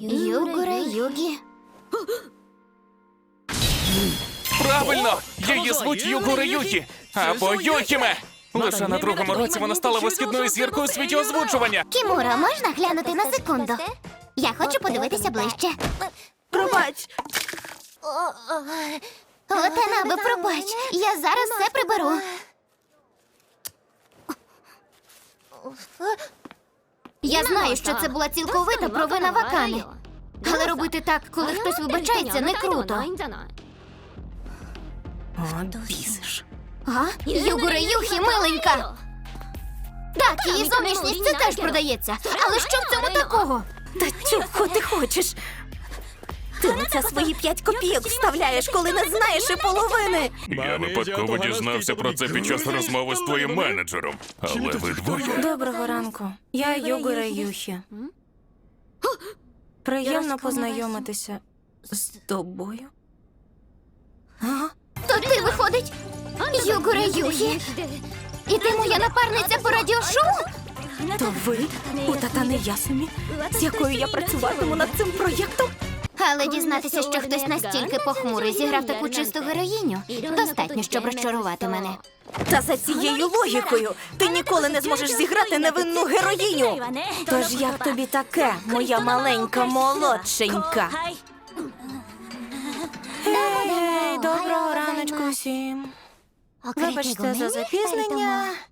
Югура Югі. Правильно! Її звуть Югура Юкі, або Юхіме! Лише на другому році вона стала висхідною зіркою у світі озвучування. Кімура, можна глянути на секунду? Я хочу подивитися ближче. Пробач! Отанабе, пробач. Я зараз все приберу. Я знаю, що це була цілковита провина Вакани. Але робити так, коли хтось вибачається, не круто. От бісиш. А? Югура Юхі, миленька! Так, її зовнішність це теж продається. Але що в цьому такого? Та чого ти хочеш? Ти на це свої 5 копійок вставляєш, коли не знаєш і половини. Я випадково дізнався про це під час розмови з твоїм менеджером. Але ви двоє. Доброго ранку. Я Югура Юхі. Приємно познайомитися з тобою. А? То ти, виходить, Югура Юхі? І ти моя напарниця по радіошоу? То ви у Татане Ясумі, з якою я працюватиму над цим проєктом? Але дізнатися, що хтось настільки похмурий зіграв таку чисту героїню, достатньо, щоб розчарувати мене. Та за цією логікою ти ніколи не зможеш зіграти невинну героїню. Тож як тобі таке, моя маленька молодшенька? Доброго раночку всім. Вибачте за запізнення.